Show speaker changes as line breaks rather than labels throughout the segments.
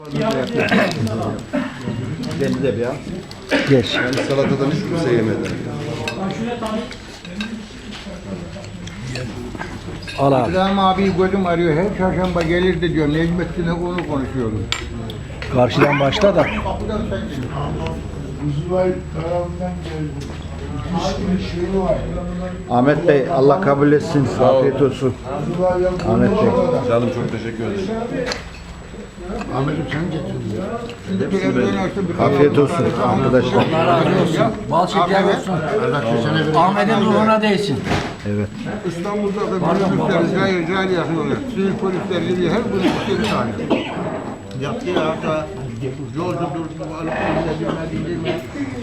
Beni de bir al.
Geç.
Yani salatadan hiç kimse yemedi.
Al abi.
İbrahim abi gözüm arıyor. Her çarşamba gelirdi diyor. Necmettin'le onu konuşuyoruz.
Karşıdan başla da.
Ahmet Bey Allah kabul etsin. Afiyet olsun. Ahmet Bey.
Canım çok teşekkür ederim.
Ahmet'im sen getirdin.
Afiyet olsun arkadaşlar.
Bal şeker olsun. Ahmet'in ruhuna değsin.
Evet.
İstanbul'da da polisler cahil yapıyorlar. Sivil polisler geliyor. Her gün bir tane. Yaptı ya hatta yolda durdu. Alıp dinledi.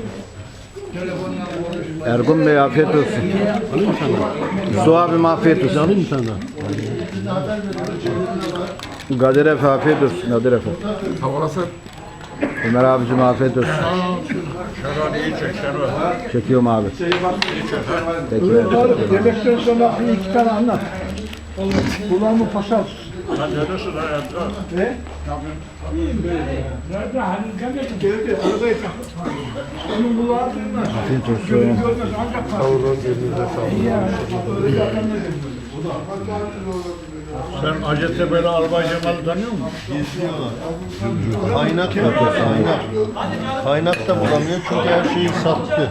Ergun Bey afiyet olsun. Su abim afiyet olsun.
Alayım sana.
Kadir Efe afiyet olsun. Kadir Efe. Ömer abicim afiyet olsun. Çekiyorum abi. Peki.
Yemekten sonra iki tane anlat. Kulağımı pasar.
Afiyet olsun.
Sen Hacettepe'li Albay Cemal'i tanıyor musun?
Kaynak yok, kaynak. Kaynak da bulamıyor çünkü her şeyi sattı.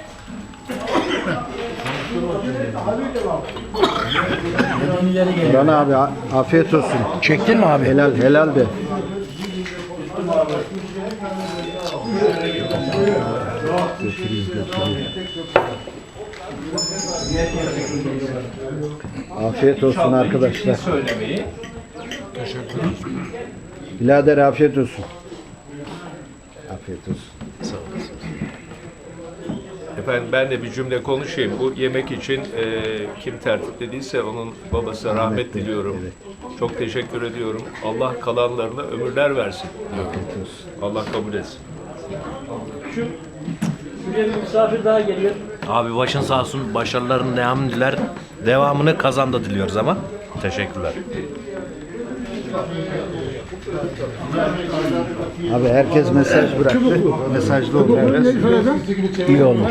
Burhan abi afiyet olsun.
Çektin mi abi?
Helal helal de. Afiyet olsun arkadaşlar. Birader afiyet olsun. Afiyet olsun.
Efendim ben de bir cümle konuşayım. Bu yemek için kim tertiplediyse onun babası rahmet diliyorum. Çok teşekkür ediyorum. Allah kalanlarına ömürler versin. Allah kabul etsin.
Şuraya bir misafir daha geliyor.
Abi başın sağ olsun, başarıların devamını diler. Devamını kazanda diliyoruz ama. Teşekkürler.
Abi herkes mesaj bıraktı. Mesajlı oldu.
İyi olmuş.